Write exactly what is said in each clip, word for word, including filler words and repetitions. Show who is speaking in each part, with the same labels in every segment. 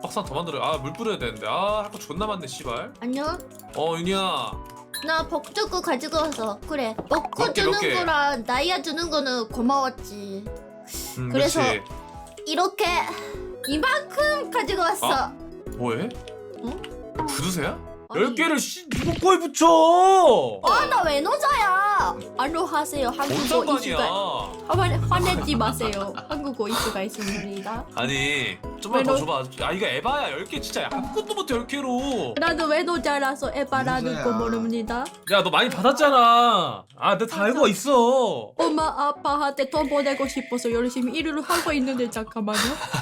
Speaker 1: 박스 하나 더 만들어. 아 물 뿌려야 되는데. 아 할 거 존나 많네 씨발.
Speaker 2: 안녕?
Speaker 1: 어 윤희야.
Speaker 2: 나 복주고 가지고 와서 그래 먹고
Speaker 1: 몇 개, 몇
Speaker 2: 주는
Speaker 1: 개?
Speaker 2: 거랑 나이야 주는 거는 고마웠지.
Speaker 1: 음,
Speaker 2: 그래서
Speaker 1: 그렇지.
Speaker 2: 이렇게 이만큼 가지고 왔어.
Speaker 1: 아? 뭐해?
Speaker 2: 어?
Speaker 1: 구두쇠야?
Speaker 2: 아니.
Speaker 1: 열 개를 씨 누구 거에 붙여?
Speaker 2: 아 나 외노자야. 안녕하세요
Speaker 1: 뭔
Speaker 2: 한국어
Speaker 1: 상관이야?
Speaker 2: 이슈가 화내, 화내지 마세요. 한국어 이슈가 있습니다.
Speaker 1: 아니 좀만
Speaker 2: 왜
Speaker 1: 더
Speaker 2: 너-
Speaker 1: 줘봐. 아 이거 에바야 열 개 진짜 아무것도 못해 열 개로.
Speaker 2: 나도 외노자라서 에바라는 거
Speaker 3: 외노자야.
Speaker 2: 모릅니다.
Speaker 1: 야 너 많이 받았잖아. 아 내가 다 알고 있어.
Speaker 2: 엄마 아빠한테 돈 보내고 싶어서 열심히 일을 하고 있는데 잠깐만요.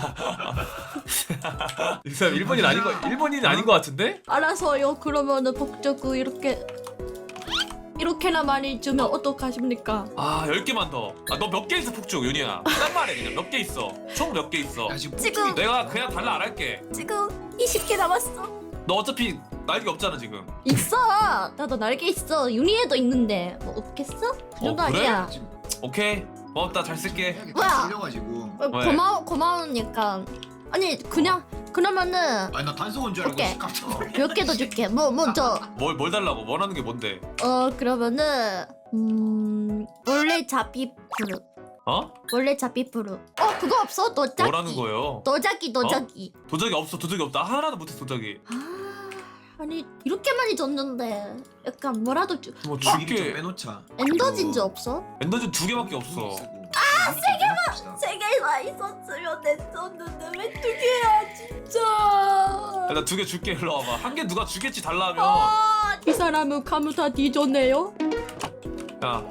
Speaker 1: 이 사람 일본인 아닌 거 일본인 아닌 거 같은데?
Speaker 2: 알아서요. 그러면은 복주고 이렇게 이렇게나 많이 주면 어떡하십니까?
Speaker 1: 아 열 개만 더. 아 너 몇 개 있어 폭죽 윤희야. 딱 말해 그냥 몇 개 있어. 총 몇 개 있어.
Speaker 3: 야 지금
Speaker 2: 지금-
Speaker 3: 폭죽이
Speaker 1: 내가 그냥 달라 안 할게.
Speaker 2: 지금 이십 개 남았어.
Speaker 1: 너 어차피 날개 없잖아 지금.
Speaker 2: 있어. 나도 날개 있어. 윤희에도 있는데 뭐 없겠어? 그 정도
Speaker 1: 어, 그래?
Speaker 2: 아니야.
Speaker 3: 지금
Speaker 1: 오케이 고맙다 잘 쓸게.
Speaker 2: 뭐야?
Speaker 3: 들려가지고.
Speaker 2: 어,
Speaker 1: 왜?
Speaker 2: 고마워 고마우니까. 아니 그냥 그러면은
Speaker 3: 아니 나 단속원 줄 알고
Speaker 2: 오케이.
Speaker 3: 깜짝 놀랐어.
Speaker 2: 몇 개 더 줄게. 뭐 뭐저
Speaker 1: 뭘 뭘 달라고 원하는 게 뭔데?
Speaker 2: 어 그러면은 음 원래 잡이프루
Speaker 1: 어?
Speaker 2: 원래 잡이프루. 어 그거 없어? 도자기.
Speaker 1: 뭐라는 거예요?
Speaker 2: 도자기 도자기.
Speaker 1: 도적이 없어 도적이 없다 하나도 못해 도적이.
Speaker 2: 아 아니 이렇게 많이 줬는데 약간 뭐라도 주...
Speaker 1: 뭐
Speaker 3: 미리 좀
Speaker 1: 줄게.
Speaker 3: 빼놓자.
Speaker 2: 엔더진주 없어?
Speaker 1: 엔더진 두 개밖에 없어.
Speaker 3: 아, 세 개만.
Speaker 2: 세 개나 있었으면 됐었는데 왜 두 개야 진짜.
Speaker 1: 나 두 개 줄게 일로 와봐. 한 개 누가 주겠지 달라 하면.
Speaker 2: 아, 이 사람은 가무타 뒤졌네요.
Speaker 1: 야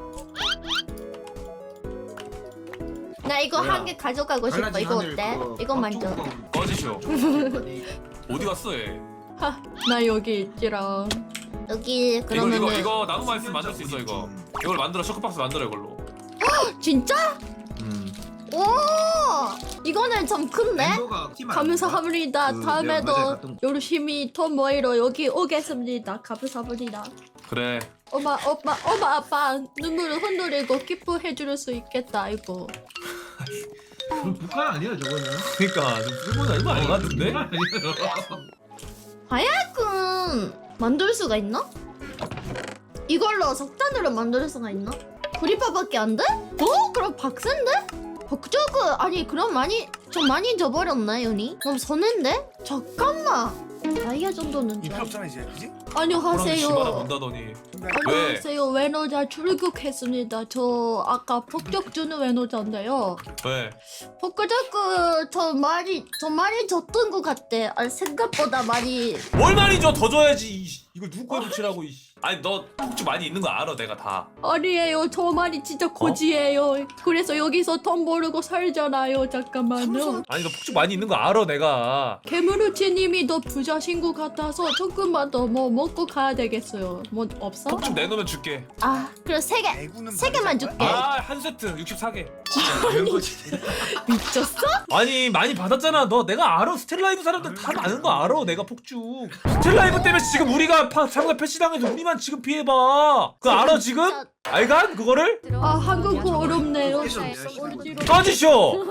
Speaker 2: 나 이거
Speaker 3: 뭐야?
Speaker 2: 한 개 가져가고 싶어. 이거 어때? 이거 만져.
Speaker 1: 꺼지쇼. 어디 갔어 얘?
Speaker 2: 하, 나 여기 있지랑. 여기
Speaker 1: 이거
Speaker 2: 그러면은
Speaker 1: 이거 이거 나무만 있으면 만들 수 있어 이거. 이걸 만들어 쇼크박스 만들어 이걸로.
Speaker 2: 진짜?
Speaker 3: 음.
Speaker 2: 오 이거는 좀 큰데? 감사합니다.
Speaker 3: 그
Speaker 2: 다음에도
Speaker 3: 내가 맞아요, 갔던
Speaker 2: 열심히 돈 모이러 여기 오겠습니다. 감사합니다.
Speaker 1: 그래.
Speaker 2: 엄마, 엄마, 엄마, 아빠 눈물을 흔들리고 기뻐해 줄 수 있겠다 이거.
Speaker 3: 북한 아니야 저거는.
Speaker 1: 그러니까 좀 일본 아닌 거 아닌 것 같은데?
Speaker 2: 하야금 만들 수가 있나? 이걸로 석탄으로 만들 수가 있나? 구리파밖에 안 돼? 어? 그럼 박스인데? 복저그 아니 그럼 많이 좀 많이 져버렸나 윤이? 너무 선인데? 잠깐만 다이아 정도는
Speaker 4: 이
Speaker 2: 좀
Speaker 4: 필요 없잖아 이제 그지?
Speaker 1: 호랑이 씨마다
Speaker 2: 안녕하세요.
Speaker 1: 문다더니.
Speaker 2: 안녕하세요. 외노자 출국했습니다. 저 아까 폭격 주는 외노자인데요.
Speaker 1: 왜?
Speaker 2: 복저그 저 많이 저 많이 졌던 것 같대. 아, 생각보다 많이.
Speaker 1: 뭘 많이 줘? 더 줘야지. 이씨. 이걸 누구 거에 붙이라고 이씨. 아니 너 폭주 많이 있는 거 알아 내가 다.
Speaker 2: 아니에요. 저 말이 진짜 거지예요. 그래서 여기서 돈 모르고 살잖아요. 잠깐만요.
Speaker 1: 아니 너 폭주 많이 있는 거 알아 내가.
Speaker 2: 개무르치님이 더 부자신 것 같아서 조금만 더 뭐 먹고 가야 되겠어요. 뭐 없어?
Speaker 1: 폭주 내놓으면 줄게.
Speaker 2: 아, 그럼 세 개.
Speaker 4: 대구는
Speaker 2: 세 개만
Speaker 4: 받을
Speaker 2: 줄게.
Speaker 4: 거야?
Speaker 1: 아 한 세트 육십사 개.
Speaker 3: 이런 거지.
Speaker 2: 미쳤어?
Speaker 1: 아니 많이 받았잖아. 너 내가 알아. 스텔라이브 사람들 다 아는 거 알아. 내가 폭주. 스텔라이브 때문에 지금 우리가 파, 상가 패시당해서 우리만 지금 피해봐. 그거 알아 지금? 알간 그거를?
Speaker 2: 아, 한국어 어렵네요.
Speaker 3: 어지럽네.
Speaker 1: 꺼지쇼.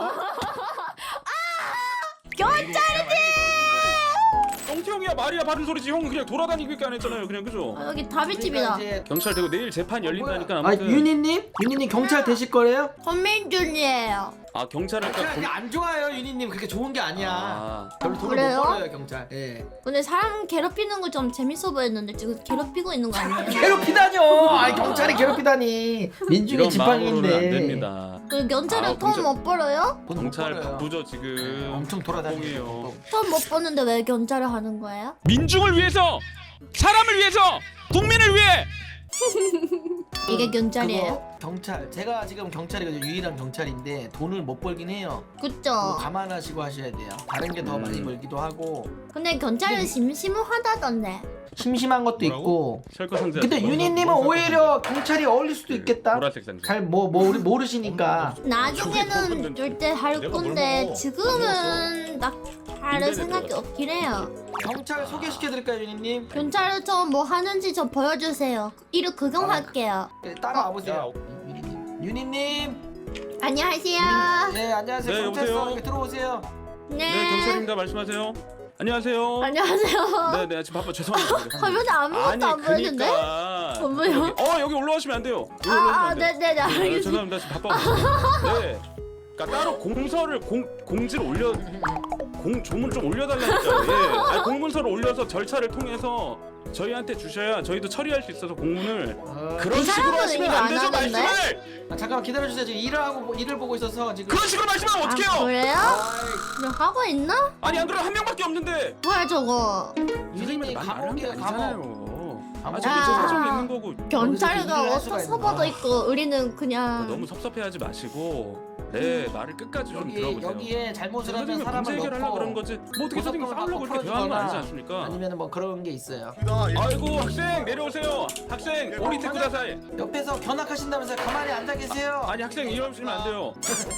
Speaker 5: 똥태형이야 말이야 바른 소리지. 형 그냥 돌아다니기밖에 안 했잖아요. 그냥 그죠?
Speaker 2: 아, 여기 다비집이다.
Speaker 5: 경찰 되고 내일 재판 열린다니까
Speaker 6: 아
Speaker 5: 아무튼.
Speaker 6: 유니님? 유니님 경찰 되실 거래요?
Speaker 2: 권민준이에요.
Speaker 5: 아 경찰을
Speaker 6: 경찰이
Speaker 5: 경...
Speaker 6: 안 좋아요 유니님. 그렇게 좋은 게 아니야.
Speaker 5: 아,
Speaker 6: 별로 돈을
Speaker 2: 그래요?
Speaker 6: 못 벌어요 경찰. 예.
Speaker 2: 근데 사람 괴롭히는 거 좀 재밌어 보였는데 지금 괴롭히고 있는 거 아니에요?
Speaker 6: 괴롭히다뇨. 아 경찰이 괴롭히다니. 민중의
Speaker 5: 이런 마음으로는 안
Speaker 6: 지팡이인데.
Speaker 5: 됩니다.
Speaker 2: 그 경찰은
Speaker 5: 아,
Speaker 2: 돈
Speaker 5: 경찰-
Speaker 2: 못 벌어요?
Speaker 6: 돈못
Speaker 5: 경찰
Speaker 6: 벌어요.
Speaker 5: 바쁘죠 지금.
Speaker 6: 엄청 돌아다니요.
Speaker 5: 뽕이에요.
Speaker 2: 돈 못 버는데 왜 경찰을 하는 거예요?
Speaker 5: 민중을 위해서, 사람을 위해서, 국민을 위해.
Speaker 2: 이게 경찰이에요?
Speaker 6: 그거 경찰. 제가 지금 경찰이거든요. 유일한 경찰인데 돈을 못 벌긴 해요. 그거
Speaker 2: 그쵸?
Speaker 6: 감안하시고 하셔야 돼요. 다른 게 더
Speaker 5: 음.
Speaker 6: 많이 벌기도 하고
Speaker 2: 근데 경찰은 심심하다던데.
Speaker 6: 심심한 것도 있고.
Speaker 5: 셜커 상자.
Speaker 6: 근데 유니님은 오히려 경찰이 어울릴 수도 있겠다.
Speaker 5: 보라색 상자.
Speaker 6: 잘 뭐 뭐 우리 모르시니까.
Speaker 2: 나중에는 절대 할
Speaker 1: 내가 뭘
Speaker 2: 건데
Speaker 1: 먹어?
Speaker 2: 지금은 나 할
Speaker 5: 인터넷
Speaker 2: 생각이
Speaker 5: 들어갔어.
Speaker 2: 없긴 해요.
Speaker 6: 경찰 소개시켜드릴까요 유니님?
Speaker 2: 경찰은 저 뭐 하는지 좀 보여주세요. 이를 구경할게요.
Speaker 6: 네, 따라와 보세요. 유니님. 유니님.
Speaker 2: 안녕하세요.
Speaker 6: 네 안녕하세요.
Speaker 5: 네,
Speaker 6: 경찰서
Speaker 5: 여보세요?
Speaker 6: 이렇게 들어오세요.
Speaker 2: 네.
Speaker 5: 네 경찰입니다. 말씀하세요. 안녕하세요.
Speaker 2: 안녕하세요.
Speaker 5: 네네 지금 바빠 죄송합니다.
Speaker 2: 화면에 아무것도 안 보이는데?
Speaker 5: 그러니까
Speaker 2: 안 보여?
Speaker 5: 여기, 어 여기 올라오시면 안 돼요. 여기 올라오시면
Speaker 2: 아,
Speaker 5: 안 돼요.
Speaker 2: 네네네,
Speaker 5: 네,
Speaker 2: 알겠습니다.
Speaker 5: 죄송합니다. 지금 바빠. 네. 그러니까 따로 공서를 공 공지를 올려 공 조문 좀 올려달라니까요. 예. 아니, 공문서를 올려서 절차를 통해서 저희한테 주셔야 저희도 처리할 수 있어서 공문을
Speaker 6: 어,
Speaker 5: 그런
Speaker 2: 이
Speaker 5: 식으로
Speaker 2: 사람은
Speaker 5: 하시면
Speaker 2: 이거
Speaker 5: 안
Speaker 2: 안
Speaker 5: 되죠
Speaker 2: 하던데?
Speaker 5: 말씀을.
Speaker 6: 아, 잠깐만 기다려주세요. 지금 일을 하고 일을 보고 있어서 지금.
Speaker 5: 그런 식으로 말씀하면
Speaker 2: 아,
Speaker 5: 어떡해요?
Speaker 2: 그래요?
Speaker 6: 아이,
Speaker 2: 너 하고 있나?
Speaker 5: 아니 안 그러면 한 명밖에 없는데.
Speaker 2: 뭐야 저거?
Speaker 6: 유진이 감옥이에요 감옥.
Speaker 5: 감옥이잖아요. 아
Speaker 6: 감옥.
Speaker 5: 저기 저
Speaker 2: 아.
Speaker 5: 사정이 있는 거고.
Speaker 2: 경찰가
Speaker 6: 일을 할
Speaker 2: 어떤
Speaker 6: 수가
Speaker 2: 서버도
Speaker 6: 있나?
Speaker 2: 있고 우리는 그냥
Speaker 5: 너무 섭섭해하지 마시고 네 말을 끝까지 좀
Speaker 6: 여기
Speaker 5: 들어보세요.
Speaker 6: 여기에 잘못을 하면
Speaker 5: 선생님이 문제
Speaker 6: 사람을
Speaker 5: 해결하려고
Speaker 6: 넣고
Speaker 5: 그런 거지. 뭐 어떻게 선생님
Speaker 6: 고소장을
Speaker 5: 싸우려고
Speaker 6: 받고
Speaker 5: 이렇게 대화하는 거 아니지
Speaker 6: 풀어주거나
Speaker 5: 않습니까?
Speaker 6: 아니면 뭐 그런 게 있어요.
Speaker 5: 아이고 학생 내려오세요. 학생 오리테 쿠다사이.
Speaker 6: 옆에서 견학하신다면서 가만히 앉아 계세요.
Speaker 5: 아니 학생 이러시면 안 돼요.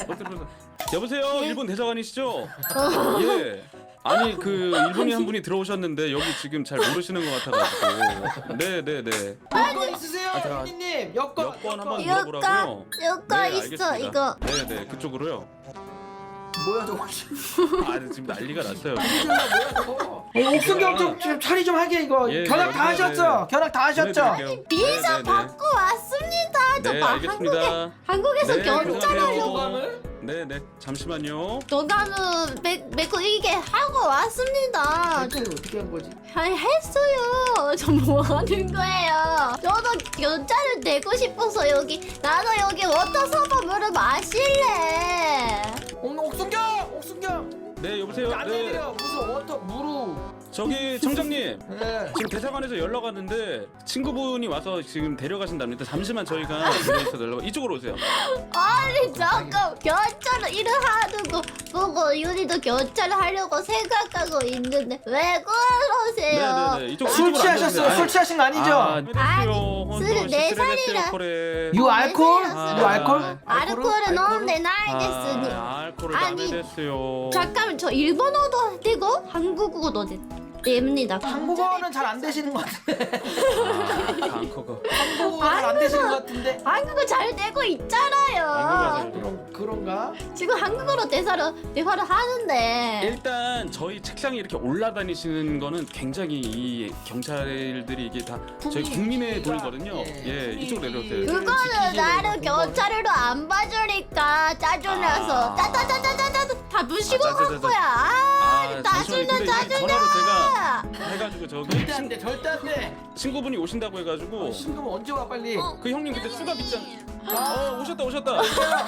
Speaker 5: 여보세요 일본 대사관이시죠?
Speaker 2: 어.
Speaker 5: 예. 아니 그 일본인 한 분이 들어오셨는데 여기 지금 잘 모르시는 것 같아가지고. 네네네.
Speaker 6: 여권 있으세요,
Speaker 5: 아, 자,
Speaker 6: 유진님? 여권.
Speaker 5: 여권 한번
Speaker 2: 여권
Speaker 5: 물어보라고요.
Speaker 2: 여권
Speaker 5: 네,
Speaker 2: 있어
Speaker 5: 알겠습니다.
Speaker 2: 이거.
Speaker 5: 네네 그쪽으로요.
Speaker 6: 뭐야 저거?
Speaker 5: 아 지금 난리가 났어요.
Speaker 6: 뭐야 저거? 어, 옥순경 좀, 좀 처리 좀 하게 이거.
Speaker 5: 예,
Speaker 6: 견학 다
Speaker 5: 네,
Speaker 6: 하셨죠?
Speaker 5: 네.
Speaker 6: 견학 다 하셨죠?
Speaker 5: 보내드릴게요.
Speaker 2: 비자
Speaker 5: 네네네.
Speaker 2: 받고 왔습니다. 저
Speaker 5: 네
Speaker 2: 봐,
Speaker 5: 알겠습니다.
Speaker 2: 한국에 한국에서
Speaker 5: 네,
Speaker 2: 경찰
Speaker 5: 고생하세요.
Speaker 2: 하려고
Speaker 6: 교감을?
Speaker 5: 네네 잠시만요.
Speaker 2: 도감은 메고 이게 하고 왔습니다. 저
Speaker 6: 대체 어떻게 한 거지?
Speaker 2: 아니 했어요. 저 뭐 하는 거예요? 저도 경찰을 내고 싶어서 여기 나도 여기 워터 서버 물을 마실래.
Speaker 6: 옥, 옥순경! 옥순경!
Speaker 5: 네 여보세요.
Speaker 6: 안
Speaker 5: 네
Speaker 6: 내려 무슨 워터 무루.
Speaker 5: 저기 청장님
Speaker 6: 네.
Speaker 5: 지금 대사관에서 연락 왔는데 친구분이 와서 지금 데려가신답니다. 잠시만 저희가 집에서 연락 이쪽으로 오세요.
Speaker 2: 아니 잠깐 경찰을 일을 하는 거 보고 윤희도 경찰을 하려고 생각하고 있는데 왜 그러세요?
Speaker 5: 네네네 이쪽
Speaker 6: 술
Speaker 5: 이쪽으로
Speaker 6: 취하셨어요?
Speaker 5: 앉아주세요.
Speaker 6: 술 취하신 거 아니죠?
Speaker 2: 아니, 술은 네 살이라.
Speaker 6: 유 알콜?
Speaker 2: 아,
Speaker 6: 유 알콜?
Speaker 2: 아르코를 넣는데 나이겠으니.
Speaker 5: 아, 알코올을
Speaker 2: 아니,
Speaker 5: 남에 됐어요.
Speaker 2: 잠깐만 저 일본어도 되고 한국어도 됩니다.
Speaker 6: 한국어는 잘 안 되시는 것 같은데.
Speaker 5: 아, 안커가.
Speaker 6: 한국어 잘 안 되시는 것 같은데.
Speaker 2: 한국어 잘 되고 있잖아요.
Speaker 5: 한국어
Speaker 6: 그런 그런가?
Speaker 2: 지금 한국어로 대사를 대화를 하는데.
Speaker 5: 일단 저희 책상에 이렇게 올라다니시는 거는 굉장히 이 경찰들이 이게 다 저희 국민의 돈이거든요. 예, 이쪽으로 내려오세요.
Speaker 2: 그거는 나를 경찰으로 안 봐주니까 짜증나서
Speaker 5: 아.
Speaker 2: 짜짜짜짜짜짜 다 무시고
Speaker 5: 아, 짜자자자.
Speaker 2: 간 거야. 아,
Speaker 5: 아,
Speaker 2: 짜증나
Speaker 5: 잠시만요. 근데
Speaker 2: 짜증나.
Speaker 5: 전화로 제가 해가지고 저기
Speaker 6: 절대 안
Speaker 5: 친,
Speaker 6: 돼. 절대 안 돼.
Speaker 5: 친구분이 오신다고 해가지고
Speaker 6: 신금 언제 와 빨리?
Speaker 5: 그 형님 그때 수갑 있잖아. 어 오셨다 오셨다.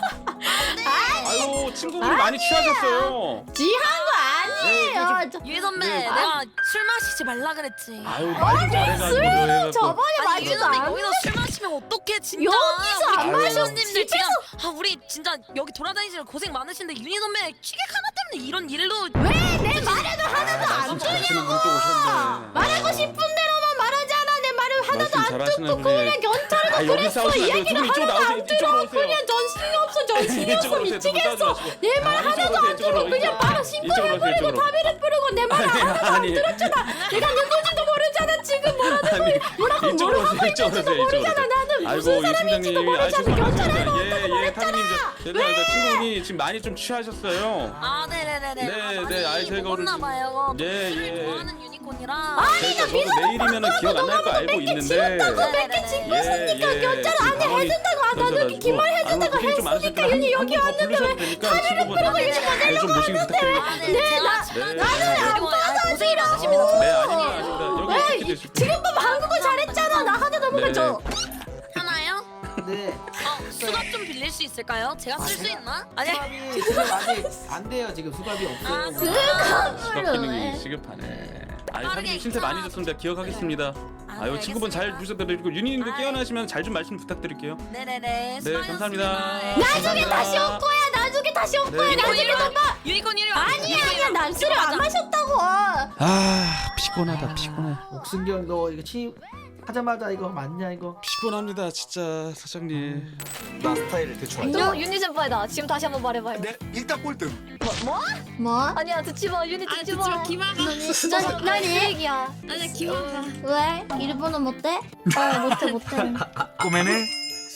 Speaker 5: 아유 친구분이 많이 취하셨어요.
Speaker 2: 지한 거 아니에요. 저-
Speaker 4: 유희 선배
Speaker 5: 네.
Speaker 4: 내가 술 마시지 말라 그랬지.
Speaker 5: 아유 말좀 잘해가지고 저 해가지고.
Speaker 2: 저번에
Speaker 4: 아니 유희
Speaker 2: 마지도
Speaker 4: 선배
Speaker 2: 않.
Speaker 4: 여기서 술 마시면 어떡해 진짜.
Speaker 2: 여기서 안
Speaker 4: 우리
Speaker 5: 마셔.
Speaker 4: 손님들 지금 아 우리 진짜 여기 돌아다니시는 고생 많으신데 유희 선배 취객 하나 때문에 이런 일로
Speaker 2: 왜내 말에도 하나도
Speaker 5: 아,
Speaker 2: 안
Speaker 5: 말씀
Speaker 2: 줘?
Speaker 5: 잘하시는 분이 또 오셨네.
Speaker 2: 말하고 싶은 대로만 말하잖아. 내 말을 하나도
Speaker 5: 말씀
Speaker 2: 안
Speaker 5: 잘하시는
Speaker 2: 듣고
Speaker 5: 분이.
Speaker 2: 그냥 경찰도
Speaker 5: 아, 여기
Speaker 2: 그랬어.
Speaker 5: 싸우시면 안 돼요.
Speaker 2: 이야기를
Speaker 5: 두 분 이쪽으로
Speaker 2: 하나도
Speaker 5: 나오세요.
Speaker 2: 안
Speaker 5: 이쪽으로
Speaker 2: 들어.
Speaker 5: 오세요.
Speaker 2: 그냥 정신이 없어. 정신이 없어.
Speaker 5: 이쪽으로 오세요. 두분 싸우지
Speaker 2: 미치겠어.
Speaker 5: 마시고.
Speaker 2: 내 말
Speaker 5: 아,
Speaker 2: 하나도
Speaker 5: 이쪽으로
Speaker 2: 안
Speaker 5: 오세요.
Speaker 2: 들어.
Speaker 5: 이쪽으로
Speaker 2: 그냥 바로
Speaker 5: 이쪽으로
Speaker 2: 신고해버리고
Speaker 5: 이쪽으로.
Speaker 2: 다비를 뿌리고 내 말
Speaker 5: 아니,
Speaker 2: 하나도 안
Speaker 5: 아니.
Speaker 2: 들었잖아. 내가 누군지도 모르잖아. 지금 뭐라고
Speaker 5: 아니,
Speaker 2: 뭐라고
Speaker 5: 이쪽으로
Speaker 2: 뭘
Speaker 5: 오세요.
Speaker 2: 하고
Speaker 5: 이쪽으로
Speaker 2: 있는지도
Speaker 5: 오세요.
Speaker 2: 모르잖아.
Speaker 5: 이쪽으로
Speaker 2: 나는
Speaker 5: 아이고
Speaker 2: 무슨
Speaker 5: 이
Speaker 2: 사람인지도
Speaker 5: 팀장님, 아
Speaker 2: 모르잖아. 경찰하러
Speaker 5: 죄송합니다.
Speaker 2: 온다고
Speaker 5: 예, 예,
Speaker 2: 그랬잖아.
Speaker 5: 타미님, 죄송합니다. 친구분이 지금 많이 좀 취하셨어요.
Speaker 4: 아 네네네네.
Speaker 5: 네,
Speaker 4: 아,
Speaker 5: 네, 아이,
Speaker 4: 많이
Speaker 5: 저희가 오늘-
Speaker 4: 먹었나 봐요.
Speaker 5: 예,
Speaker 4: 술을
Speaker 5: 예.
Speaker 4: 좋아하는 유니콘이라.
Speaker 5: 저희가 저도 내일이면은 기억 안 날 거 알고 있는데.
Speaker 4: 네네네.
Speaker 5: 예,
Speaker 2: 경찰 안에 해준다고 아, 나도 기말 해준다고 했으니까 윤이 여기 왔는데
Speaker 5: 왜 카메라를
Speaker 2: 끄고 이렇게
Speaker 5: 좀 모시기 부탁드립니다.
Speaker 4: 아, 네, 제가
Speaker 5: 네.
Speaker 4: 나는 안 받아 고생이 많으십니다.
Speaker 5: 네, 아닙니다, 아닙니다. 여기
Speaker 2: 왜
Speaker 5: 이렇게 되시고.
Speaker 2: 지금 보면 한국어 잘했잖아. 나 하나 더 먹어 줘.
Speaker 4: 하나요?
Speaker 6: 네.
Speaker 4: 어 수갑 좀 빌릴 수 있을까요? 제가 쓸 수 있나? 아니
Speaker 6: 수갑이 지금 아직 안 돼요. 지금 수갑이
Speaker 4: 아,
Speaker 6: 없어요.
Speaker 4: 수갑.
Speaker 5: 수갑 기능이 시급하네. 아이
Speaker 4: 빠르게
Speaker 5: 사장님 신세 많이
Speaker 4: 입장.
Speaker 5: 줬습니다. 기억하겠습니다.
Speaker 4: 아,
Speaker 5: 아유
Speaker 4: 네,
Speaker 5: 친구분 잘
Speaker 4: 알겠습니다.
Speaker 5: 부탁드리고 윤희님도
Speaker 4: 아이.
Speaker 5: 깨어나시면 잘 좀 말씀 부탁드릴게요.
Speaker 4: 네네네.
Speaker 5: 네
Speaker 4: 수고하셨습니다.
Speaker 5: 감사합니다.
Speaker 4: 네.
Speaker 2: 나중에 다시 올 거야. 나중에 다시 올 거야.
Speaker 5: 네.
Speaker 2: 나중에
Speaker 4: 유니콘
Speaker 2: 너 봐.
Speaker 4: 유니콘 이리 와.
Speaker 2: 아니야 아니야. 난 술을 안 마셨다고.
Speaker 5: 아 피곤하다 피곤해.
Speaker 6: 옥순경 너 이거 취 하자마자 이거 맞냐 이거?
Speaker 5: 피곤합니다 진짜 사장님.
Speaker 7: 나 스타일 대충 알지?
Speaker 8: 너 유니 sen파이다. 지금 다시 한번 말해봐요.
Speaker 7: 네, 일단 꼴등.
Speaker 2: 뭐?
Speaker 8: 아니야 듣지 마. 유니 듣지 마.
Speaker 2: 난, 난 이-
Speaker 8: 얘기야.
Speaker 2: 왜? 일본어 못해? 어 못해 못해.
Speaker 7: 꼬매네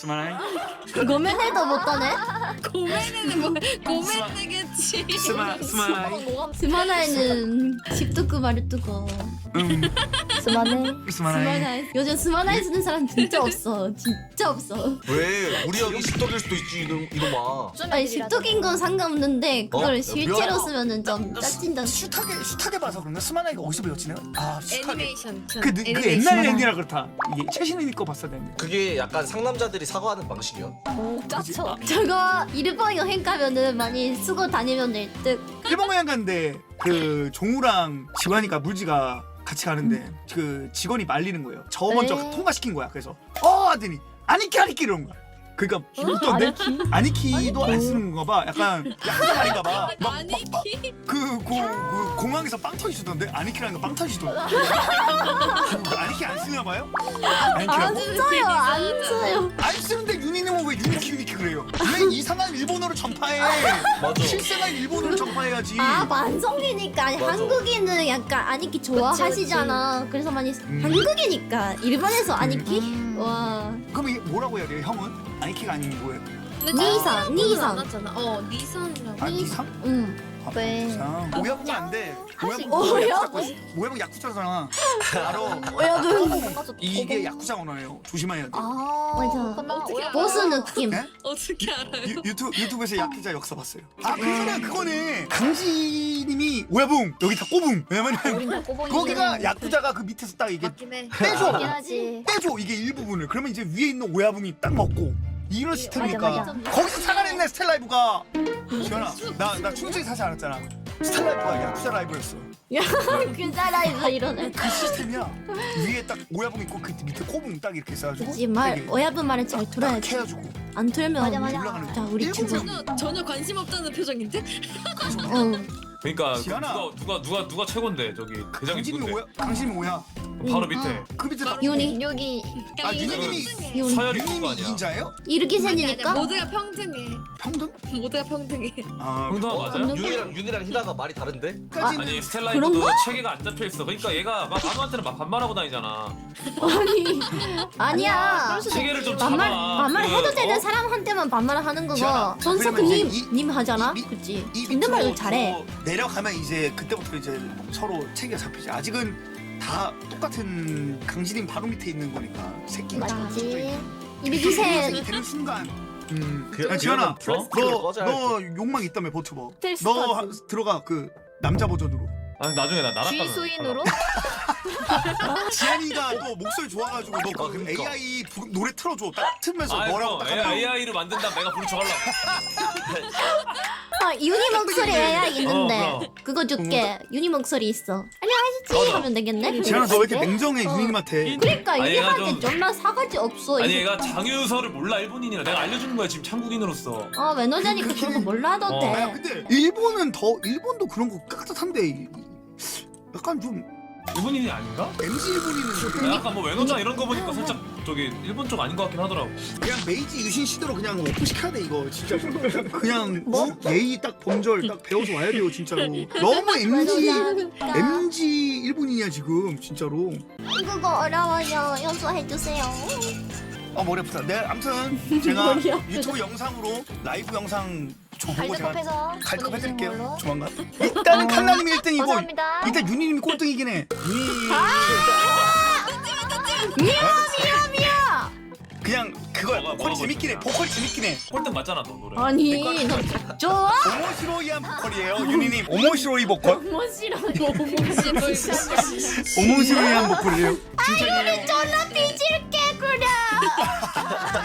Speaker 9: 스마일.
Speaker 2: 그거면 해도 못하네.
Speaker 4: 고민은 뭐 고민 되겠지.
Speaker 9: 스마 스마일.
Speaker 2: 스마나이는 십두구 말두고.
Speaker 9: 음.
Speaker 8: 스마네.
Speaker 9: 스마일.
Speaker 2: 스마나이. 요즘 스마나이 쓰는 사람 진짜 없어. 진짜 없어.
Speaker 7: 왜 우리 형이 십덕일 수도 있지 이놈 이놈아.
Speaker 2: 아니 십두긴 건 상관없는데 그걸
Speaker 7: 어?
Speaker 2: 실제로
Speaker 7: 미안해.
Speaker 2: 쓰면은 좀 짜친다.
Speaker 9: 숱하게 숱하게 봐서 그런가? 스마나이가 어디서 배웠지 내가? 아 숱하게.
Speaker 4: 애니메이션.
Speaker 9: 그, 느- 그 옛날 애니라 그렇다. 이게 최신의 거 봤어야 되는데.
Speaker 7: 그게 약간 상남자들이 사과하는 방식이야.
Speaker 8: 오 짜쳐.
Speaker 2: 저거 일본 여행 가면은 많이 쓰고 다니면 될 듯.
Speaker 9: 일본 여행 갔는데 그 종우랑 지환이가 물지가 같이 가는데 그 직원이 말리는 거예요. 저 먼저
Speaker 2: 네.
Speaker 9: 통과시킨 거야. 그래서 어 하더니 아니키 아니키 이러는 거야. 그러니까 웃던데 아니키도 안 쓰는 건가 봐. 약간 약간 아닌가 봐.
Speaker 4: 아니키.
Speaker 9: 그, 고, 그 공항에서 빵 터지시던데 아니키라는 거 빵 터지시던데. 아니키 안 쓰나 봐요?
Speaker 2: 안
Speaker 9: 아니키라고?
Speaker 2: 써요. 안 써요.
Speaker 9: 안 쓰는데 윤희님은 왜 유니키 유니키 그래요? 왜 이상한 일본어를 전파해?
Speaker 7: 맞아.
Speaker 9: 실생활 일본어를 전파해야지.
Speaker 2: 아 만성이니까 아니,
Speaker 7: 맞아.
Speaker 2: 한국인은 약간 아니키 좋아하시잖아. 그래서 많이
Speaker 9: 음.
Speaker 2: 한국이니까 일본에서 아니키 와
Speaker 9: 그럼 이게 뭐라고 해야 돼요? 형은? 아니키가 아닌 뭐예요?
Speaker 2: 니상 니상
Speaker 4: 잖아 어 니상이라고.
Speaker 9: 아 니상?
Speaker 2: 응.
Speaker 9: 아,
Speaker 8: 네.
Speaker 9: 니상. 오야붕 안 돼. 오야붕
Speaker 2: 오야붕?
Speaker 9: 야쿠자. 오야붕 야쿠자잖아. 알아.
Speaker 2: 여러분
Speaker 9: 이게 야쿠자 언어예요. 조심해야 돼.
Speaker 8: 아
Speaker 2: 맞아.
Speaker 8: 그러면 오야-
Speaker 2: 보스 느낌.
Speaker 9: 네?
Speaker 4: 어떻게 알아요?
Speaker 9: 유, 유튜브 유튜브에서 야쿠자 역사 봤어요. 아 그거는 그거네. 강지님이 오야붕 여기 다 꼬붕. 왜냐면
Speaker 8: 우린 다 꼬봉이.
Speaker 9: 거기가 야쿠자가 그 밑에서 딱 이게
Speaker 4: 맞긴 해.
Speaker 9: 떼줘.
Speaker 8: 맞긴 하지.
Speaker 9: 떼줘 이게 일부분을. 그러면 이제 위에 있는 오야붕이 딱 먹고. 이런 시스템이니까
Speaker 8: 맞아, 맞아.
Speaker 9: 거기서 살아냈네 스텔라이브가. 지현아 나나 충분히 사실 알았잖아. 스텔라이브가 야쿠자 라이브였어.
Speaker 2: 그 사람이 이러네.
Speaker 9: 그 시스템이야. 위에 딱 오야붕 있고 그 밑에 꼬붕 딱 이렇게 써가지고
Speaker 2: 그치 말
Speaker 9: 되게
Speaker 2: 오야분 말은 잘
Speaker 9: 딱
Speaker 2: 들어야지.
Speaker 9: 해가지고
Speaker 2: 안 틀면
Speaker 8: 맞아, 맞아.
Speaker 9: 올라가는
Speaker 2: 자 우리
Speaker 9: 일본
Speaker 2: 죽어.
Speaker 4: 전혀 전혀 관심 없다는 표정인데?
Speaker 2: 응.
Speaker 1: 그러니까 그
Speaker 9: 지연아.
Speaker 1: 누가 누가 누가 누가 최고인데 저기 대장이
Speaker 9: 강진이
Speaker 1: 누군데?
Speaker 9: 오야 강진이 오야.
Speaker 1: 바로
Speaker 2: 응.
Speaker 1: 밑에
Speaker 9: 그 밑에 딱
Speaker 2: 윤희
Speaker 8: 여기
Speaker 9: 아 유니님이
Speaker 2: 윤희
Speaker 1: 서열이 그거
Speaker 9: 유니님이
Speaker 1: 아니야?
Speaker 9: 이인자예요?
Speaker 2: 이렇게
Speaker 4: 아니 아니
Speaker 2: 생기니까
Speaker 4: 모두가 평등해.
Speaker 9: 평등?
Speaker 4: 모두가 평등해.
Speaker 9: 아
Speaker 1: 형동아 맞아요?
Speaker 7: 윤이랑 윤이랑 희나가 말이 다른데?
Speaker 9: 까지는
Speaker 1: 아니
Speaker 2: 그런
Speaker 1: 스텔라이브도
Speaker 2: 거?
Speaker 1: 체계가 안 잡혀 있어. 그러니까 얘가 막 아무한테나 막 반말하고 다니잖아.
Speaker 2: 아니 아니야.
Speaker 1: 체계를 좀
Speaker 2: 반말
Speaker 1: 잡아.
Speaker 2: 반말
Speaker 1: 그,
Speaker 2: 해도 되는
Speaker 1: 어?
Speaker 2: 사람한테만 반말을 하는 거고
Speaker 9: 지연아,
Speaker 2: 전석은
Speaker 9: 그러면
Speaker 2: 님,
Speaker 9: 이제 이-
Speaker 2: 님 하잖아.
Speaker 9: 이-
Speaker 2: 그치?
Speaker 9: 이
Speaker 2: 존댓말도
Speaker 9: 밑으로
Speaker 2: 잘해.
Speaker 9: 더 내려가면 이제 그때부터 이제 서로 체계가 잡히지. 아직은 다 똑같은 강진님 바로 밑에 있는 거니까 새끼.
Speaker 2: 맞지. 이리
Speaker 9: 이
Speaker 2: 주세요.
Speaker 9: 되는 순간. 음,
Speaker 7: 그-
Speaker 9: 야, 지현아,
Speaker 1: 어?
Speaker 7: 프레스티를 꺼져야
Speaker 9: 너 욕망 있다며 버튜버.
Speaker 8: 스텔스
Speaker 9: 너 하-
Speaker 8: 타지.
Speaker 9: 들어가 그 남자 버전으로.
Speaker 1: 아니 나중에 나 나락 가면
Speaker 8: 쥐수인으로?
Speaker 9: 지한이가 또 목소리 좋아가지고 너 그
Speaker 7: 아, 그러니까.
Speaker 9: 에이아이 부- 노래 틀어줘. 딱 틀면서
Speaker 1: 아
Speaker 9: 뭐라고
Speaker 1: 그럼
Speaker 9: 딱 하면
Speaker 1: 에이아이를 만든다 내가 부르쳐 갈라.
Speaker 2: 아 윤희 목소리 에이아이 있는데
Speaker 1: 어, 그럼.
Speaker 2: 그거 줄게. 윤희 목소리 있어. 안녕하시지
Speaker 1: 맞아.
Speaker 2: 하면 되겠네.
Speaker 9: 지한아 너 왜 이렇게
Speaker 2: 그래?
Speaker 9: 냉정해
Speaker 2: 어.
Speaker 9: 유님한테?
Speaker 2: 그러니까
Speaker 1: 아니, 얘가
Speaker 2: 윤희한테
Speaker 1: 좀-
Speaker 2: 정말 사가지 없어.
Speaker 1: 아니
Speaker 2: 이거.
Speaker 1: 얘가 장유서를 몰라 일본인이라 내가 알려주는 거야 지금 한국인으로서.
Speaker 2: 아 외노자니까 그런 거 몰라도
Speaker 1: 어.
Speaker 2: 돼.
Speaker 9: 아 근데 일본은 더 일본도 그런 거 깍듯한데 이- 약간 좀
Speaker 1: 일본인이 아닌가?
Speaker 9: 엠지 일본인은
Speaker 1: 나 약간 뭐 외노자 이런 거 보니까 살짝 저기 일본 쪽 아닌 것 같긴 하더라고.
Speaker 9: 그냥 메이지 유신 시대로 그냥 오픈 시켜야 돼 이거 진짜 그냥 어? 예의 딱 범절 딱 배워서 와야 돼요 진짜로. 너무 엠지
Speaker 2: 외노자니까.
Speaker 9: 엠지 일본인이야 지금 진짜로.
Speaker 2: 그거 어려워요. 연수해주세요.
Speaker 9: 아 머리 아프다. 네 아무튼 제가
Speaker 2: 머리 아프다.
Speaker 9: 유튜브 영상으로 라이브 영상 저 보고 제가
Speaker 8: 갈드컵해서
Speaker 9: 갈드컵 해드릴게요
Speaker 8: 걸로.
Speaker 9: 조만간. 일단은 칸나님이 일 등이고
Speaker 8: 감사합니다.
Speaker 9: 일단 윤희님이 꼴등이긴 해. 윤희
Speaker 2: 미야 미야.
Speaker 9: 그냥 그거야.
Speaker 1: 뭐가,
Speaker 9: 보컬
Speaker 1: 뭐가
Speaker 9: 재밌긴 해.
Speaker 1: 멋있냐?
Speaker 9: 보컬 재밌긴 해.
Speaker 1: 꼴등 맞잖아 너 노래.
Speaker 2: 아니 너 좋아?
Speaker 9: 오모시로이한 보컬이에요. 윤희님 오모시로이 보컬.
Speaker 2: 뭐 싫어.
Speaker 9: 오모시로이한 보컬이에요. 진짜예요.
Speaker 2: 존나 삐질게 그래.